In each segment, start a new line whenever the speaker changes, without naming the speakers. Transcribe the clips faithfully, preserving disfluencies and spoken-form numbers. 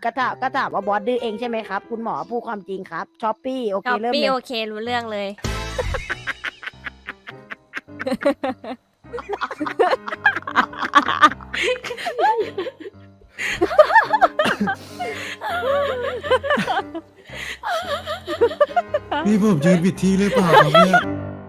ก็ถามก็ถามว่าบอสดื้อเองใช่ไหมครับคุณหมอพูดความจริงครับช้อปปี้โอเค
ช้อป
เริ่ม
ปี้
เลย
โอเครู้เรื่องเลย
นี่ผมยืนผิดที่หรือเปล่าครับเนี่ย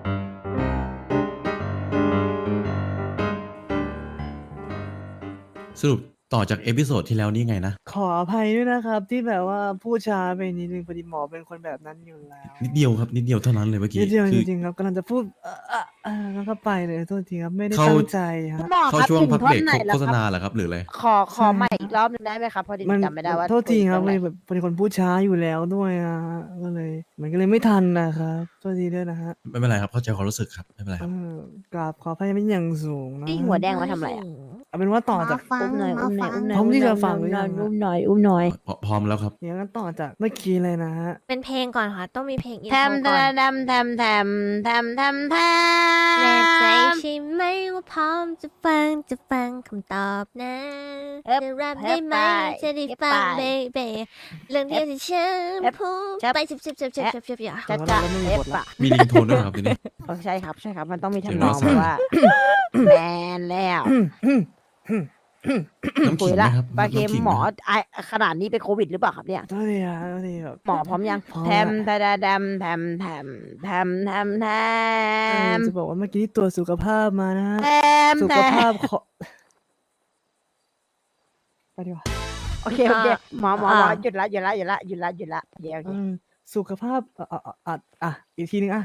สรุปต่อจากเอพิโซดที่แล้วนี่ไงนะ
ขออภัยด้วยนะครับ ที่แบบว่าพูดช้าไปนิดนึงพอดีหมอเป็นคนแบบนั้นอยู่แล้ว
นิดเดียวครับนิดเดียวเท่านั้นเลยเมื่อกี้
นิดเดียว
คื
จ
อ
ริงๆครับกำลังจะพูดเอ่อเอ่อเอ่อแล้วก็ไปเลยโทษทีครับไม่ได้
เข้า
ตั้งใจฮะ
หมอ
เข้า
ครับ
ช่วง
ถึง
พัก
ท่อ
เบร
น
ก
ไหนแล้ว
โฆษ
ครับ
ณาเหรอครับหรืออะไร
ขอขอใหม่อีกรอบหนึงได้ไหมครับพอดี
มัน
จำไม่ได้ว่า
โทษทีครับ
พู
เล
ด
ย
ตงไหน
แบบเป็นคนพูดช้าอยู่แล้วด้วยอ่ะก็เลย มันก็เลยไม่ทันนะครับโทษทีด้วยนะฮะ
ไม่เป็นไรครับเข้าใจความรู้สึกครับไม่เป็นไร
เอ
ครับ
อกราบขออภัยเป็นอย่างสูงนะ
นี่หัวแดงมาทำอะไรอะ
เอาเป็นว่าต่อจาก
อุ้มหน่อยอุ้มหน่อยอุ้มหน่อย
พร้อมที่จะฟังหรือยัง
อุ้มหน่อยอุ้มหน่อย
พร้อพร้อมแล้วครับ
เดี๋ยวกันต่อจากเมื่อกี้เลยนะฮะ
เป็นเพลงก่อนค่ะ ต้องมีเพลงอิน
แท
โทร
ม
ก่อน
แทมแทมแทมแทมแทมแท
แน่ใจ
ม
ใช่ไหมว่าพร้อมจะฟังจะฟังคำตอบนะ
เอิบ
จะรับ
เอิ
ได้
บ
ไหม
ไป
จะได้
เอิบ
ฟัง
ไป
เบเบเรื่องเดียวที่ฉัน
เอิบ
พูด
ชับ
ไปชิบชิบชิบชิบชิบชิบอย่า
จะ
ของ
จะ
เราไม่มี
เอฟ
บทละ
อะ
มีลิงโทนด้วยเหรอครับทีนี้
เออใช่ครับใช่ครับมันต้องมี
เดี๋ยว
ทำนอง
เรา
แบบว่า แมนแล้ว
น้ำ
คุ
ขิ
ย
งไหม
ละ
ครับ
ปลาเค็ม
น้ำขิง
หมอ
ไหครับ
ไอขนาดนี้เป็นโควิดหรือเปล่าครับเนี่ย
โทษทีครับโทษทีครับ
หมอพร้อมยัง
พร้อม
แทม
ละ
แทมแทมแทมแทมแทมแทมแท
เออ
ม
จะบอกว่าเมื่อกี้ตรวจสุขภาพมานะฮะ
แทม
สุ
แท
ข
ม
ภาพขอไปดีกว่า
โอเคโอเคหมอหมอหมอหยุดละหยุดละหยุดละหยุดละหยุดละเดี๋ยวโอเค
อืมสุขภาพอ่ะอ่ะอ่ะอ่ะอ่ะอีกทีนึงอ่ะ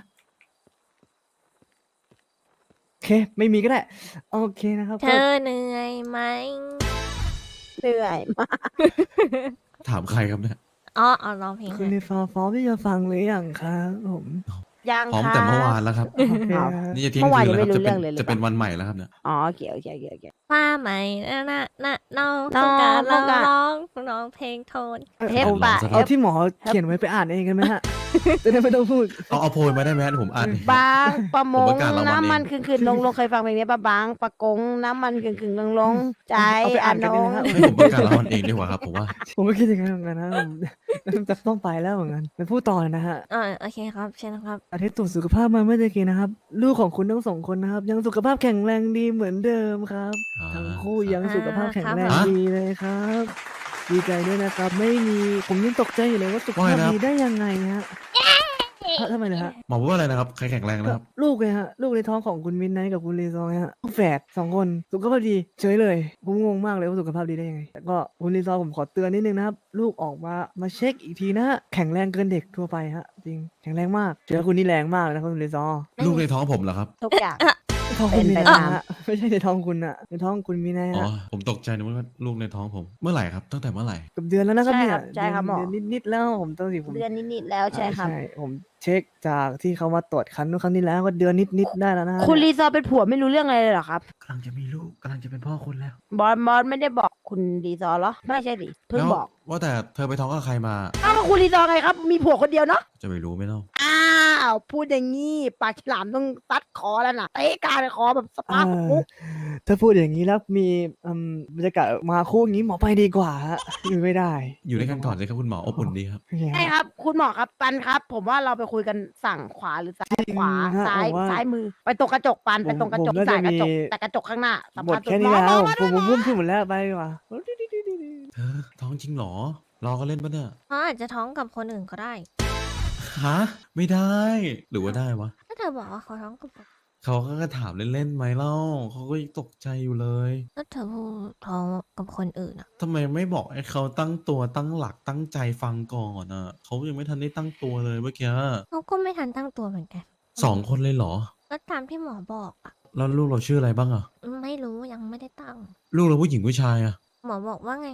โอเค ไม่มีก็ได้ โอเคนะครับ
เธ
ก็
อเหนื่อยไหม
เหนื่อยมาก
ถามใครครับเนี่ย
อ๋อเอาร้องเพลง
คุณ
ให้
ในฟาฟอร์มที่จะฟังหรือยังครับผม
ยัง
พร้อม
ค่ะ
แต่เมื่อวานแล้วครับ
โอเค
อ้าว
นะ
นี่จะเที่ยง
เมื่อวาน
คืนแล้วครับ
ยังไม่รู้
จะเป็น
เรื่องเลยหรือ
จะเป็น
เปล่า
วันใหม่แล้วครับเนี่ย
อ๋อโอเคโอเคโอเคโอเค
ว่าไหมนะนะนะน้อง
น้
ต้
อ
อง งการ
ต้
ร้
อ
อง ง
การ
ร้องร้องเพลงโทน
เออ
เทป
เอา
ปะ
ลองสัก
เอาที่หมอเขียนไว้ไปอ่านเองกันไหมฮะ จะได้ไม่ต้องพูด
เอาเอาโพยมาได้ไหมฮะเดี๋ยวผมอ่านเอง
บางประม
ผม
ง
ประกาศรางวัล
น้ำมัน
เอง
คืนคืนลงลงเคยฟังเพลงนี้ปะบางปะกงน้ำมันคืนคืนลงลงใจ
เอาไปอ่านกัน
น
เอง
ง
นะครับ
ให้ผมประกาศรางวัลเองดีกว่าครับผมว่า
ผมก็คิดอย่างนั้นเหมือนกันนะผมจะต้องไปแล้วเหมือนกันไปพูดต่อเลยนะฮะ
เออโอเคครับเชิญนะครับ
อาทิตย์ตรวจสุขภาพมาเมื่อตะกี้นะครับ ลูกของคุณทั้งสองคนนะครับ ยังสุขภาพแข็งแรงดีเหมือนเดิมครับ
อ่า
ทั้งคู่
ครับ
ยังสุขภาพแข็งแรง
อ่า
ดีเลยครับ ดีใจด้วยนะครับ ไม่มีผมยังตกใจอยู่เลยว่าสุข
ว่า
ภาพ
ไงนะครับ
ดีได้ยังไงฮะเอ้าทำไมนะฮะ
หมอพูดว่าอะไรนะครับใครแข็งแรงนะครับ
ลูกเลยฮะลูกในท้องของคุณมินไนท์กับคุณรีซองฮะลูกแฝดสองคนสุขภาพดีเฉยเลยผมงงมากเลยว่าสุขภาพดีได้ยังไงแต่ก็คุณรีซองผมขอเตือนนิดนึงนะครับ ลูกออกมามาเช็คอีกทีนะฮะแข็งแรงเกินเด็กทั่วไปฮะจริงแข็งแรงมากเจอคุณนี่แรงมากเลยนะคุณรีซอง
ลูกในท้องผมเหรอครับ
ทุกอย่าง
ท้องคุณมี
เป็น
นา
ไปตาม
ฮะไม่ใช่ในท้องคุณอะในท้องคุณมีนา
อ๋อ
ฮะ
ผมตกใจนึกว่าลูกในท้องผม เมื่อไหร่ครับตั้งแต่เมื่อไหร่
เกับเดือนแล้วนะครับ
ใช่
เนี่ย
ครับใช่ครับหมอ
เดือนนิดๆแล้วผมต้องสิผม
เดือนนิดๆแล้วใช่ครับ
ใช่ผมเช็คจากที่เขามาตรวจคันนู้นครั้งที่แล้วก็เดือนนิดๆได้แล้วนะฮะ
คุณรีซอร์เป็นผัวไม่รู้เรื่องอะไรเลยเหรอครับ
กำลังจะมีลูกกำลังจะเป็นพ่อคนแล้ว
บอสบอสไม่ได้บอกคุณรีซอร์เหรอไม่ใช่ดิเพิ่ง
แล้ว
บอก
ว่าแต่เธอไปท้องกับใครมา
อ้าวคุณรีซอร์ไงครับ มีผัวคนเดียวเนาะ
จะไม่รู้ไหมเล่า
อ้าวพูดอย่างงี้ปากฉลามต้องตัดคอแล้วนะเตะกลารคอแบบสปาร์คมุก
ถ้าพูดอย่างนี้แล้วมีอืมบรรยากาศมาคู่อย่างนี้หมอไปดีกว่าฮะอยู่ไม่ได้
อยู่ด้วยกันก่อนสิครับคุณหมออบอุ่นดีครับ
โอเค
ใช่ครับ คุณหมอครับปันครับ ผมว่าเราไปคุยกันสั่งขวาหรือซ้ายขวา
จริงฮะ
ซ้าย
ผมว่า
ซ้ายมือ ไปตรงกระจกปันไปตรงกระจก
ผมน่า
สาย
จะ
กระจก
มี
แต่กระจกข้างหน้าสำ
หม
คั
ด
ญสุ
แค่นี้
หมอ
แล้ว
หมอ
ผมผมพูดพูดหมดแล้วไปดีกว่า
เธอท้องจริงเหรอรอก็เล่นปะเนี่ย
เพราะอาจจะท้องกับคนอื่นก็ได้
ฮะไม่ได้ หรือว่าได้วะ
ถ้าเธอบอกว่าเขาท้องกับคน
เขาก็ถามเล่นๆไหมเล่าเขาก็ยังตกใจอยู่เลย
ถ้าเธอพูดท้องกับคนอื่นอ่ะ
ทำไมไม่บอกให้เขาตั้งตัวตั้งหลักตั้งใจฟังก่อนอ่ะเขายังไม่ทันได้ตั้งตัวเลยเมื่อกี้
เขาก็ไม่ทันตั้งตัวเหมือนกัน
สองคนเลยเหรอ
ก็ตามที่หมอบอกอ่ะ
แล้วลูกเราชื่ออะไรบ้างอ่ะ
ไม่รู้ยังไม่ได้ตั้ง
ลูกเราผู้หญิงผู้ชายอ่ะ
หมอบอกว่าไง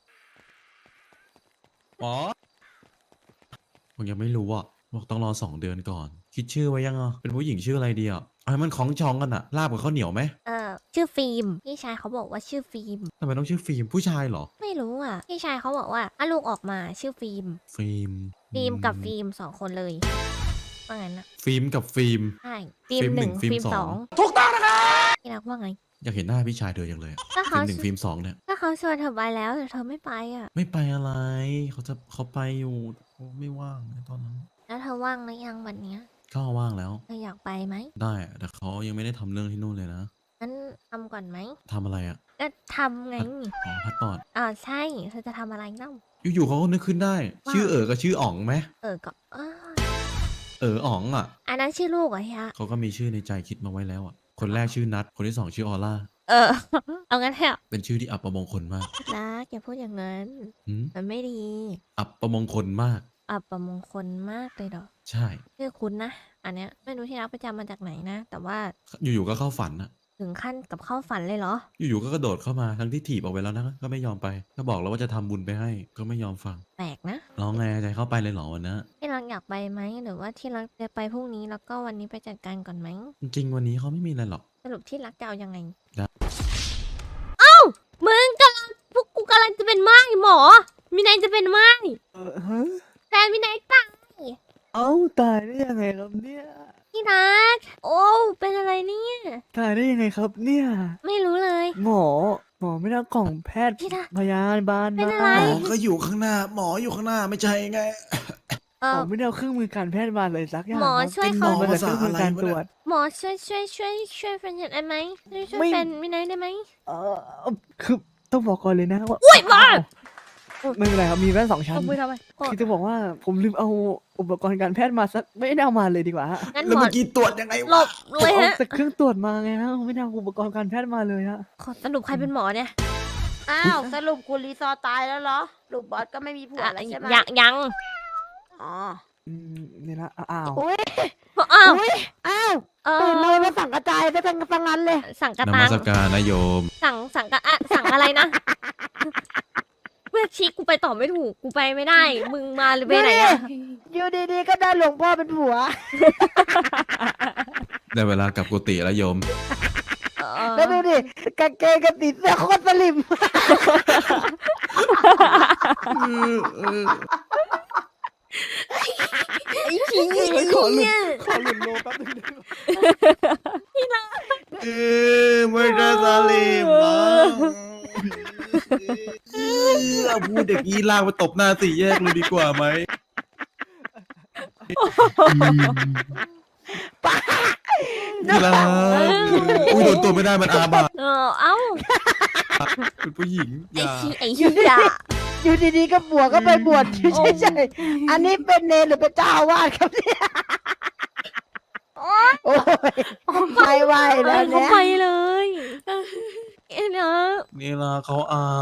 หมอผมยังไม่รู้อ่ะบอกต้องรอสองเดือนก่อน คิดชื่อไว้ยังอ่ะเป็นผู้หญิงชื่ออะไรดีอ่ะเอาให้มันคล้องจองกันอ่ะลาบกับข้าวเหนียวไหม
เออชื่อฟิล์มพี่ชายเขาบอกว่าชื่อฟิล์ม
ทำไมต้องชื่อฟิล์มผู้ชายเหรอ
ไม่รู้อ่ะพี่ชายเขาบอกว่าถ้าลูกออกมาชื่อฟิล์ม
ฟิล์ม
ฟิล์มกับ
อื
ฟิล์มสองคนเลยว่างั้นนะ
ฟิล์มกับฟิล์ม
ใช่ฟิล์ม
ฟิล์ม
ห
หนึ่
นึ่ง
งฟิล์ม
ฟิล์ม
ส
ส
อ
อง งที่รักว่าไง
อยากเห็นหน้าพี่ชายเธออย่างเลยอะ
ก็
ฟิ
เขา
ล์มหนึ่งฟิล์มสองเนี่ย
ก็เขาชวนเธอไปแล้วแต่เธอไม่ไปอ่ะ
ไม่ไปอะไรเขาจะเขาไปอยู่เขาไม่ว่างในตอนนั้น
แล้วเธอว่างหรือยังวันเนี้ย
ก็ว่างแล้ว
เธออยากไปไหม
ได้อะแต่เขายังไม่ได้ทำเรื่องที่นู่นเลยนะ
งั้นทำก่อนไหม
ทำอะไรอ่ะ
ก็ทำไง
อ๋อพัดปอด
อ่าใช่เธอจะทำอะไรเล่า
อยู่ๆเขาก็นึกขึ้นได้
ว่า
ชื่อเอ๋อกับชื่ออ๋องไหม
เออก็เออ
เอออ๋องอ่ะ
อันนั้นชื่อลูกเหรอเฮีย
เขาก็มีชื่อในใจคิดมาไว้แล้วอ่ะคนแรกชื่อนัทคนที่สองชื่อออร่า
เออ เอางั้นเถอะ
เป็นชื่อที่อับประมงคลมาก
นะอย่าพูดอย่างนั้น
หืม
มันไม่ดี
อับประมงคลมาก
อับประมงคลมากเลยเหรอ
ใช่
ชื่อคุณนะ อันเนี้ยไม่รู้ที่รักไปจำมาจากไหนนะ แต่ว่า
อยู่ๆก็เข้าฝันอ่ะ
ถึงขั้นกับเข้าฝันเลยเหรอ
อยู่ๆก็กระโดดเข้ามาทั้งที่ถีบออกไปแล้วนะก็ไม่ยอมไป ก็บอกแล้วว่าจะทำบุญไปให้ ก็ไม่ยอมฟัง
แปลกนะ
ร้องไงใจเข้าไปเลยเหรอวันนะ
ที่รักอยากไปไหมหรือว่าที่รักจะไปพรุ่งนี้แล้วก็วันนี้ไปจัดการก่อนไหม
จริงๆวันนี้เขาไม่มีอะไรหรอก
สรุปที่รักจะเอายังไง
ได้
เอ้ามึงกำลังพวกกูกำลังจะเป็นไม้หมอมินายจะเป็นไม้
เออฮะ
แต่มินายตาย
เอ้าตายได้ยังไงครับเนี่ย
ที่รักโอ้เป็นอะไรเนี่ย
ตายได้ยังไงครับเนี่ย
ไม่รู้เลย
หมอ หมอไม่ได้เอากล่องแพทย์
พี่ดา
พยาบาล
เป็น
มา
อะไร
หมอก็อยู่ข้างหน้า หมออยู่ข้างหน้าไม่ใช่ไง
เอ
หม
อ
อไม่ได้เอาเครื่องมือการแพทย์มาเลยสักอย่าง
หมอ
ครับ
ช่วย
เป็น
เขา
หมอมาแต่เครื่องมือการตรวจ
หมอช่วยช่วยช่วยช่วยแฟนฉันได้ไหมช่วยช่วย
ไม่
แฟนมินายได้ไหม
เออคือต้องบอกก่อนเลยนะว่า
อุ๊ยบ้า
ไม่เป็นไรครับมีแว่นสองชั้น
เอามือทำไมกด
คือจะบอกว่าผมลืมเอาอุปกรณ์การแพทย์มาสักไม่ได้เอามาเลยดีกว่าฮะ
งั้น
แล้ว
หมอ
เมื่อกี้ตรวจยังไง
หล
วะ
บเลย
เอา
ฮะ
แต่เครื่องตรวจมาไงฮะไม่ได้เอาอุปกรณ์การแพทย์มาเลยฮะ
ขอสรุปใครเป็นหมอเนี่ย
อ้าวสรุปคุณรีซอร์ตายแล้วเหรอลูกบอสก็ไม่มีผัว
อ่ะ
แล้วใช่ไหม
ยังยัง
อ๋อ
อืมนี่ละอ้าว
อุ้ย
อ้าว
อุ้ยอ้าว
เอ
ตื่นมา
อ
ไม่สั่งกระจายไปทั้งทั้งนั้นเลย
สั่งกระ
น
ตั
มั
ง
สการนายโยม
สั่งสั่งกระอะสั่งอะไรนะเมื่อชี้กูไปต่อไม่ถูกกูไปไม่ได้ มึงมาเลยไปไหนอะ
อยู่ดีๆก็ได้หลวงพ่อเป็นผัว
ได้เวลากลับกุฏิแล้วโยม
เออ
แล้วดูดิกางเกงกับติดเสื้อโคตรสลิม
ไอ้ขี้ไอ้ขี้เนี่ย
ขอหลุดโลแป๊บนึงได้ไหม
เออไม่ได้สลิมมั้งเอาพูดเด็กนี้ลากไปตบหน้าสี่แยกเลยดีกว่าไหม ที่รักอุ้ยโดนตัวไม่ได้มันอาบัต
เออเอ้า
เป็นผู้หญิงอ
ไอ้
ย่า
ขี้ไอ้ขี้อะ
อยู่ดีๆก็บวชก็ไปบวชใช่ใช่ๆอันนี้เป็นเนรหรือเป็นเจ้าอาวาสครับเนี่ยโอ้ยไม่ไหว
เอ
แล้
อ
ว
เขา
เนี่ย
ไปเลยเอ็นเออ
นี่ละเขาอาย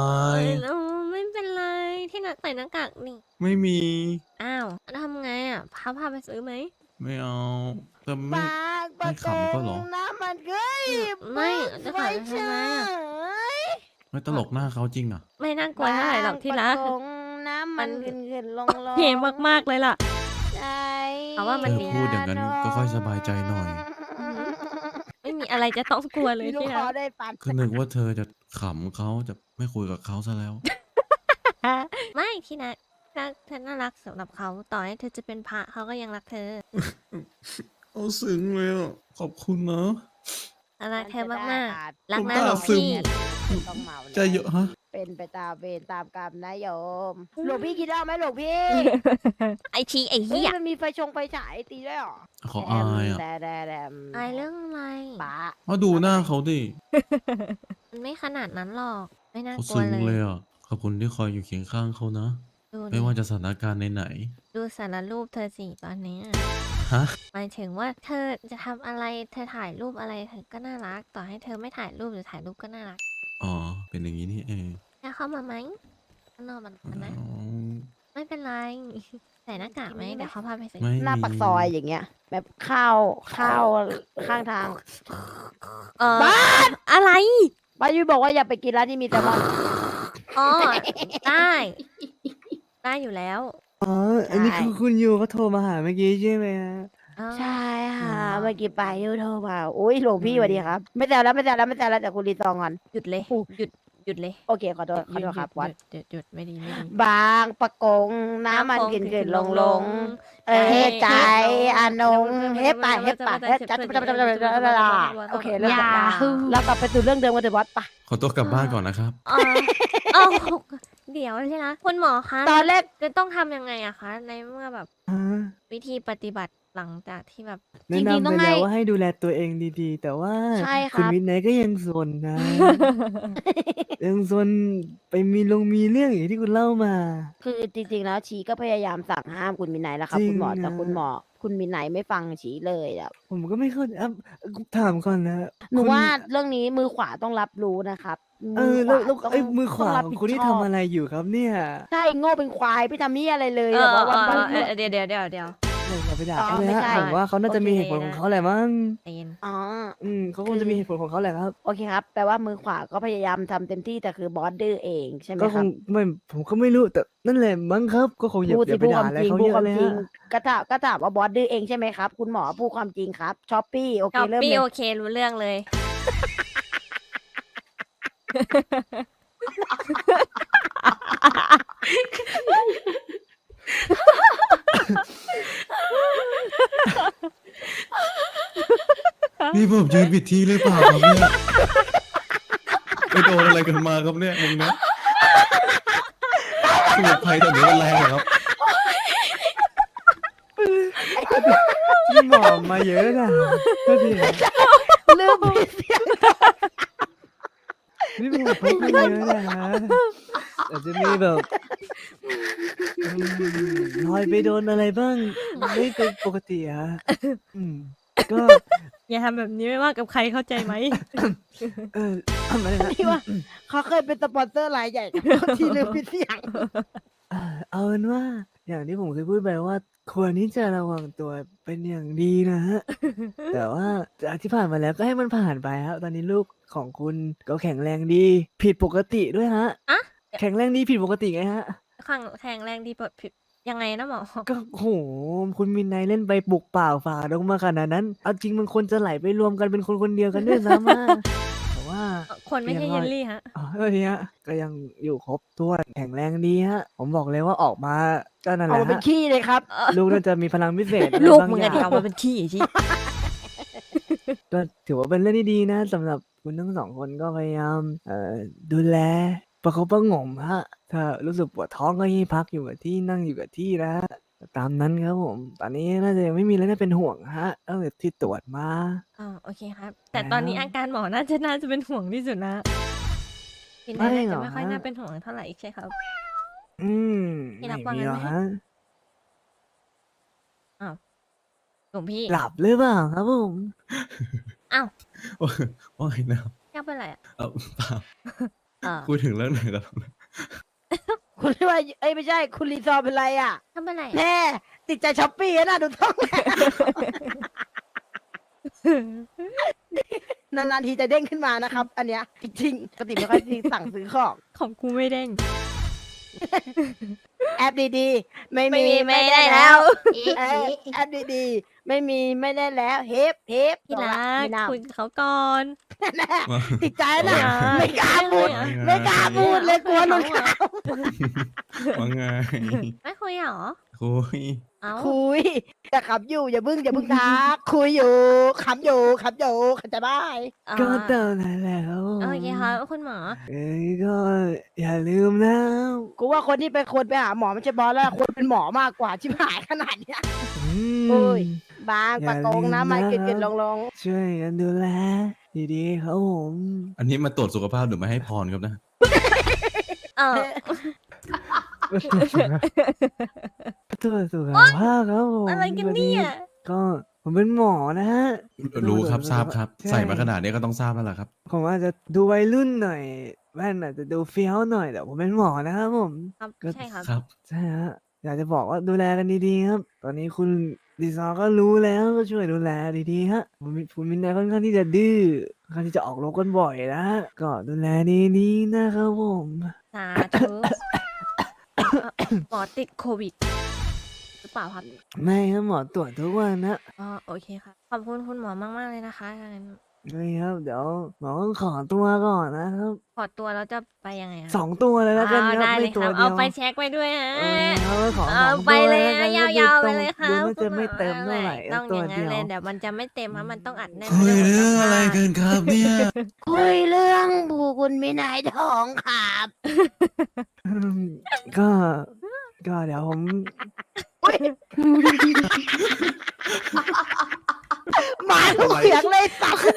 เออไม่เป็นไรที่นักใส่หน้ากากนี่
ไม่มี
อ้าวทำไงอ่ะพาพาไปซื้อไหม
ไม่เอาแต่ไม่
ปากปะ
ไม่ขำก็เหรอ
น้ำมันเกย
ไม่จะ
ไฟ
ขายทำไมอะ
ไม่ตลกหน้าเขาจริงอ่ะ
ไม่น่ากลัวเท่าไหร่หรอกที่รัก
บางปะกงน้ำมันขึ้นขึ้นลงลง
เท่มากๆเลยล่ะ
ใจ
เอาว่ามัน
เธอพูดอย่างนั้นก็ค่อยสบายใจหน่อย
ไม่มีอะไรจะต้องกลัวเลย
ลูก
ที่
ค
รั
อก ได้ปัน
ก็นึกว่าเธอจะขำเขาจะไม่คุยกับเขาซะแล้ว
ไม่ที่นักรักเธอน่ารักสำหรับเขาต่อให้เธอจะเป็นพระเขาก็ยังรักเธอ
เอาซึ้งเลยอ่ะ ขอบคุณนะ
รักเธอมากๆ รัก
ผม
นะ
ตา
หลวง
ซึม
พี่
ต้องเมานะ
ใจเยอะฮะ
เป็นไปตามเวรตามกรรมนะโยมหลวงพี่คิดเอาไหมหลวงพี่
ไอทีไอ
เฮ้ย
เหี้ย
มันมีไฟชงไฟฉายตีด้วยเหรอ
ขออายอ่ะ
แดมแดมแดม
อายเรื่องอะไร
ป้า
มาดูหน้าเขาดิ
มันไม่ขนาดนั้นหรอก ไม่น่า
เขา
กลัว
ซึ้ง
เล
เลย
ย
อ่ะ ขอบคุณที่คอยอยู่เคียงข้างเขานะ
ดู
ไม่
ดิ
ว่าจะสถานการณ์ไหน
ดูสารรูปเธอสิตอนเนี้ย
ๆฮะ
หมายถึงว่าเธอจะทำอะไร เธอถ่ายรูปอะไรเธอก็น่ารัก ต่อให้เธอไม่ถ่ายรูปหรือถ่ายรูปก็น่ารัก
อ๋อ เป็นอย่างนี้นี่เอง
จะเข้ามาไหมข้างนอกมันมันนะ
อ๋อ
ไม่เป็นไร ใส่หน้ากากไหมเดี๋ยวเขาพาไปใส่
ไม่
หน้า
มี
ปากซอยอย่างเงี้ย แบบข้าวข้าวข้างทาง
เออ
บ้า
อะไร
ป้ายุ้ยบอกว่าอย่าไปกินร้านที่มีแต่มอน
อ๋อ ได้ ได้อยู่แล้ว
อ๋อ อันนี้คือคุณยูเขาโทรมาหาเมื่อกี้ใช่ไหมฮะ
อ๋อ
ใช่ค่ะ
อ๋อ
เมื่อกี้ป้ายุ้ยโทรมาอุ้ยหลวงพี่สวัสดีครับ ไม่แซวแล้วไม่แซวแล้วไม่แซวแล้วแต่คุณรีซองก่อน
หยุดเลย หยุด หยุดเลย
โอเคขอโทษขอโทษครับ
ห
วัด
ยุดหยุดหยุดไม่ดีไม่ดี
บางปะกงน้ำมันขึ้นขึ้นลงลงเอ้ยใจอานงเฮ็บไปเฮ็บไปเฮ็บจัดโอเคเริ่มจากเรากลับไปสู่เรื่องเดิมกันเถอะบอสปะ
ขอตัวกลับบ้านก่อนนะครับ
เออเอาเดี๋ยวใช่นะคุณหมอคะ
ตอนแรก
จะต้องทำยังไงอะคะ ในเมื่อแบบ
ฮะ
วิธีปฏิบัติหลังจากที่แบบ
จ
แนะ
ริงๆ
นำ
ต้
ไป
องให้
แล้วว่าให้ดูแลตัวเองดีๆ แต่ว่า
ใช่ครับ
คุณวินไนท์ก็ยังซนนะ ยังซนไปมีลงมีเรื่องอย่างที่คุณเล่ามา
คือจริงๆแล้วชีก็พยายามสั่งห้ามคุณมินไนท์แล้วครับ
จริง
คุณหมอแต่
นะ
คุณหมอ คุณมินไนท์ไม่ฟังชีเลยอ่ะ
ผมก็ไม่เข้าใจอ่ะถามก่อนนะ
หนู
คุณ
ว่าเรื่องนี้มือขวาต้องรับรู้นะครับ
เออแล้วแล้ว
ต้อง
ไอ้มือขวา
ต้งรับ
ของ
ผิด
คุณที่
ช
ทำ
อบ
อะไรอยู่ครับเนี่ย
ใช่โง่เป็นควายไม่ทำนี่อะไรเลย
เอ
แบบ
อ
ว่า
เอ
วัน
อ
วัน
เออเดี๋ยวเดี๋ยวเดี๋ยวเดี๋ยว
เอออย่าไปด่า
อ๋อ
เขาเลย
ไม่
ฮะ
ใช่
ผมว่าเขาน่าจะมีเหตุผลของเขาแหละมั้ง
ใจเย็น
อ๋อ
อืมเขาคงจะมีเหตุผลของเขาแหละครับ
โอเคครับแปลว่ามือขวาก็พยายามทำเต็มที่แต่คือบอสดื้อเองใช่ไหม
ก็
ค
ค
รั
ง
บ
ไม่ผมก็ไม่รู้แต่นั่นแหละมั้งครับ ก็คงอย่า
พูด
อ
สิ
ย่าไป
พูดค
ด่าว
าม
อะไร
จริง
เขา
พู
เย
ดค
อะ
วาม
เลย
จริง
ฮะ
ก็ถามก็ถามว่าบอสดื้อเองใช่ไหมครับ คุณหมอพูดความจริงครับช้อปปี้โอเค
ช้อป
เริ่ม
ปี้
เลย
โอเครู้เรื่องเลย
นี่ผมยืนผิดที่หรือเปล่าครับเนี่ยไปโดนอะไรกันมาครับเนี่ยมึงนะสมุนไพรแต่นี้มันแรงเหรอครับ
พี่หมอมาเยอะนะก็ดีนะ
เริ่มผิดเสียง
พี่หมอพกมาเยอะนะอาจจะมีแบบอืมรอยไปโดนอะไรบ้างไม่เป็นปกติอะอืมก็
อย่าทำแบบนี้ไม่ว่ากับใครเข้าใจไหม
เออทำอะไรนะ
ที่ว่าเขาเคยเป็นสปอนเซอร์รายใหญ่ครับที่ลืมผิดเสียง
เอ่อเอาเป็นว่า อย่างที่ผมเคยพูดไปว่า ควรที่จะระวังตัวเป็นอย่างดีนะฮะ แต่ว่าจากที่ผ่านมาแล้วก็ให้มันผ่านไปครับตอนนี้ลูกของคุณก็แข็งแรงดี ผิดปกติด้วยฮะ
อะ
แข็งแรงดีผิดปกติไงฮะ
แข็งแข็งแรงดีเปิดผิดยังไงนะหมอ
ก็โหคุณมินไนท์เล่นไปปลุกเปล่าฝ่าดงมาขนาดนั้น เอาจริงมันควรจะไหลไปรวมกันเป็นคนคนเดียวกันด้วยซ้ำอะแต่ว่า
คนไม่ใช่เยลลี่ฮะ
อ๋อเออเนี่ยก็ยังอยู่ครบถ้วนแข็งแรงดีฮะ ผมบอกเลยว่าออกมาก็นั่นแห
เอา
ละ
มาเป็น
ฮะ
ขี้เลยครับ
ลูกน่าจะมีพลังพิเศษอะไร
ลูก
บาง
มึง
อ
ไง
ย่าง
ที่เอามาเป็นขี้ที่
ก็ถือว่าเป็นเรื่องที่ดีนะสำหรับคุณทั้งสองคนก็พยายามเอ่อดูแลประคบประหงมฮะ ถ้ารู้สึกปวดท้องก็ให้พักอยู่กับที่นั่งอยู่กับที่นะตามนั้นครับผม ตอนนี้น่าจะยังไม่มีอะไรน่าเป็นห่วงฮะตั้งแต่ที่ตรวจมา
อ๋อโอเคครับ แต่ตอนนี้
แล้ว
อาการหมอน่าจะน่าจะเป็นห่วงที่สุดนะพี่
ไม่
นาย
หร
จะ
อ
ไม่ค่อย
ฮะ
น่าเป็นห่วงเท่าไหร่ใช่ครับ
อืม
พี่
ไม่
รับว่า
มี
งั้น
หรอก
ไหม
ฮะ
หลวงพี่
หลับหรือเปล่าครับผม
อ้าว
ว่าไงนะครับ
ยังเป็นไรอ่ะ
เออเปล่า
เออ
คุยถึงเรื่องไหนกันแล้วนะ
คุณว่าเอ้ยไม่ใช่ คุณรีซอร์เป็นไรอ่ะ
ทำเป็นไรอะ
แน่ติดใจช้อปปี้นะดูท้อง นานๆทีจะเด้งขึ้นมานะครับ อันเนี้ยจริงๆปกติไม่ค่อยสั่งซื้อของ
ของกูไม่เด้ง
แอปดีๆ ไม่
ไม่
มี
มีไม่ได้แล้ว
เออแอปดีๆ ไม่มีไม่ได้แล้วเฮฟเฮฟ
พี่รัก
ไม่น่า
คุยกับเขาก่อน
แน่ติดใจนะ
อย่า
ไม่กล้าพูด
อย่า
ไม่กล้าพูดเลยกลัวหลุดข่าว
ว่าไง
ไม่คุยเหรอ
คุย
เอ้า
คุยแต่ขับอยู่อย่าบึ้งอย่าบึ้งทักคุยอยู่ขับอยู่ขับอยู่ขับจะได้
อ่า
ก็เต่านั้นแล้ว
โอเคครับคุณหมอ
เอ้ยก็อย่าลืมนะ
กูว่าคนที่เป็นคนไปหาหมอไม่ใช่บอสแล้วคนเป็นหมอมากกว่าชิบหายขนาดเนี้ย
อืม
โอ้ย บาง
อย่า
ปะโกงนะ
ลืม
ไม่
นะ
เกินๆลงลง
ช่วยกันดูแลดีๆครับผม
อันนี้มาตรวจสุขภาพหรือมาให้พรครับนะ
เออ
ตัวจสุขภาพครับผม
อะไรกันเนี่ย
ก็ผมเป็นหมอนะฮะ
รู้ครับทราบครับ
ใช่
ใส่มาขนาดนี้ก็ต้องทราบแล้วล่ะครับ
ผมอาจจะดูวัยรุ่นหน่อยแว่นอาจจะดูเฟี้ยวหน่อยแต่ผมเป็นหมอนะครับผม
ครับ
ก็
ใช่ครับ
ครับ
ใช่ฮะอยากจะบอกว่าดูแลกันดีๆครับ ตอนนี้คุณดีซอร์ก็รู้แล้วก็ช่วยดูแลดีๆฮะผมมีคุณมินนายค่อนข้างที่จะดื้อค่อนข้างที่จะออกรบกันบ่อยนะฮะก็ดูแลดีๆนะครับผม
สาธุเอ่อหมอติดโควิดหรือเปล่าครับ
ไม่ครับหมอตรวจทุกวันนะ
อ๋อโอเคครับ ขอบคุณคุณหมอมาก ๆ เลยนะคะงั้น
นี่ครับเดี๋ยวหมอต้องขอตัวก่อนนะครับ
ขอตัวแล้วจะไปยังไงอะ
สองตัวเลยแล้วกัน
อ้าว
ครับ
ได้เล
ไม่
ยค
ตัว
รับ
เดี
เอา
ยว
ไปเช็คไว้ด้วยฮะ
เออเขาขอส
เอา
อง
ไป
ตัว
เลย
แล้วกั
นะ
น
ยาวๆไป
ดู
เลยครับ
ดูน่าจะไม่เต็มเท่าไหร่
ต้อง
ตั
อ
ว
ย่างนั้
เดี
น
ยว
เลยเดี๋ยวมันจะไม่เต็มเพราะมันต้องอัดแน่น
คุยเรื่องอะไรกันครับเนี่ย
คุยเรื่องบูคุณมินายทองครับ
อืมก็ ก็เดี๋ยวผม
หมาทุกเสียงเลยสัตว์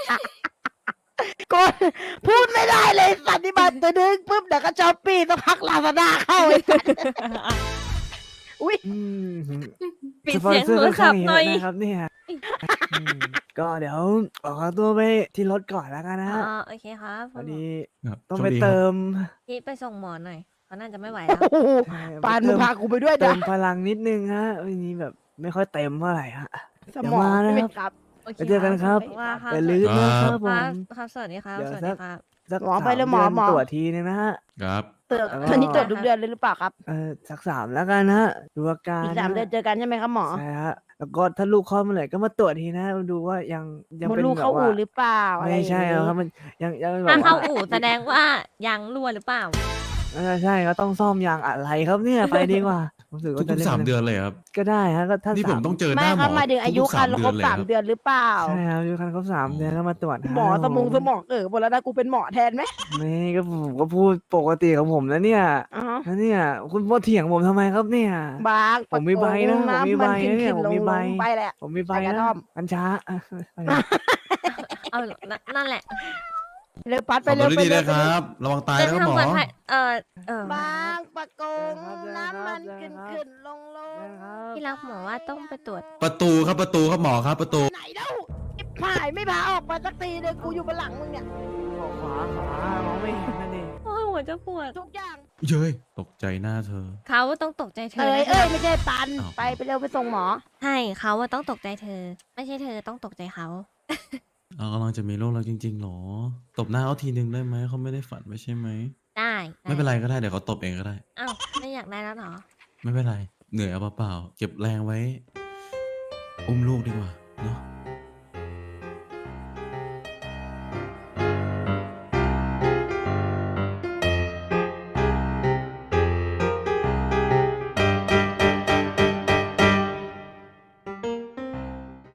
ก็พูดไม่ได้เลยสัตว์ที่มันจะดึงปุ๊บเดี๋ยวก็ช้อปปี้สักพักลาซาด้าเข้าไอ้สัตว์อุ้ย
อืม
ปิด
สปอน
เสียง
เซอ
โท
ร์
ร
ค่อน
ศั
ข้า
พ
ง
ท์
เย
หน่อ
อะ
ย
นะครับเนี่ยอืมก็เดี๋ยวขอตัวไปที่รถก่อนแล้วกันนะ
อ๋
ฮะ
อโอเคครับ
พอดี
ครับ
ต้อง
โชค
ไป
ดีครับ
เติม
พี่ไปส่งหมอหน่อยเขาน่าจะไม่ไหว
โอ้
แล้ว
โห
ใช่
ปาน
ไป
มึ
เติ
ง
ม
พากูไปด้วย
เติ
จ้ะ
มพลังนิดนึงฮะวันนี้แบบไม่ค่อยเต็มเท่าไหร่ฮะ
สมอง
เดี๋ยวมานะ
ใช่ไหม
ครับ
ครับ
ไปเจอกันครับ
ว่าครับ
อย่าลืมนะครับผ
ครั
ม
บครับสวัสดีครับ
เดี๋ยว
สวัส
สั
ดี
ก
ครับ
สัก
หมอ
สาม
ไปเลยหมอ
เดือน
หมอ
ตรวจทีนึงนะฮะ
ครับ
เติม
แล้วก็
อันนี้ตรวจทุกเดือนเลยหรือเปล่าครับ
เออสักสามแล้วกันนะฮะดูอาการ
อีกสาม
นะ
เดือนเจอกันใช่ไหมครับหมอ
ใช่ฮะแล้วก็ถ้าลูกคลอดเมื่อไหร่ก็มาตรวจทีนะดูว่ายังยัง
มด
เป็น
ลูก
แบ
เข้า
บว่า
อู่หรือเปล่าอะร
ไม่
อย่าง
ใช่
งี้
ครับมันยังยังแบบ
ถ้าเข้า
ว่า
อู่แสดงว่ายางรั่วหรือเปล่า
เออใช่ก็ต้องซ่อมยางอะไรครับเนี่ยไปดีกว่าผมถือว่าจะ
ทุก
เล่
ๆสาม
น
เดือนเลยครับ
ก็ได้ฮะก็ถ้า
นี่ผมต้องเจอห
ไม่
น้าห
ค
ม
รั
อบ
หมายถึงอายุ
ทุกๆ
คัน
สาม
ครบ
เดือนเลย
สาม
ครับ
เดือนหรือเปล่า
ใช่ครับอายุคันครบสามเดือนก็มาตรวจ
หมอ
ฮะ
สมองสมองเออหมดแล้วนะกูเป็นหมอแทนไหม
ไม่ก็ผมก็พูดปกติของผมแล้วเนี่ย
อ๋อ
แล้วเนี่ยคุณพ่อเถียงผมทำไมครับเนี่ย
บาง
ผมมีใบนะ
ปรโกง
ผมมีใบ
ำขึ้
นะเนี่ย
ขึ้
ผมมีใบ
ลงๆไปแหละ
ผมมีใบ
ใบกระ
นะ
ท่อม
อันช้าอ่ะไป
เอานั่นนั่นแหละ
เร็วปัดไป
ขับร
เร็ว
ถ
ไป
ดีๆ
เร็ว
นะ
ไป
ค
เร็
รั
ว
บ ระวังตาย
เดิน
นะครับ
ทาง
หม
ปล
อ
อดภัยเออเออบ
างปะกง
เดินครับ
น้ำมัน
เดิ
ขึ้
น
น
ครับ
ขึ้นลงลง
ที่รักหมอว่าต้องไปตรวจ
ประตูครับประตูครับหมอครับประตู
ไหนเล่าไอ้ผายไม่พาออกมาสักทีเลยกูอยู่บนหลังมึงเนี่ย
บอกขวาขวามองไม่เห็นนั่นเอง
โอ้ยหัวจะปวด
ทุกอย่าง
เย้ยตกใจหน้าเธอ
เขาต้องตกใจเธอ
เอ้ย
นะ
เอ้ยไม่ใช่ปัน
อ้าว
ไปไปเร็วไปส่งหมอ
ใช่เขาว่าต้องตกใจเธอ ไม่ใช่เธอต้องตกใจเขา
เรากำลังจะมีโรคแล้วจริงๆหรอ ตบหน้าเขาทีนึงได้ไหมเขาไม่ได้ฝันไม่ใช่ไหม
ได้
ไม่เป็นไรก็ได้เดี๋ยวเขาตบเองก็ได้
อ้าวไม่อยากได้แล้วเหรอ
ไม่เป็นไร เหนื่อยเอาเปล่าๆเก็บแรงไว้ อุ้มลูกดีกว่า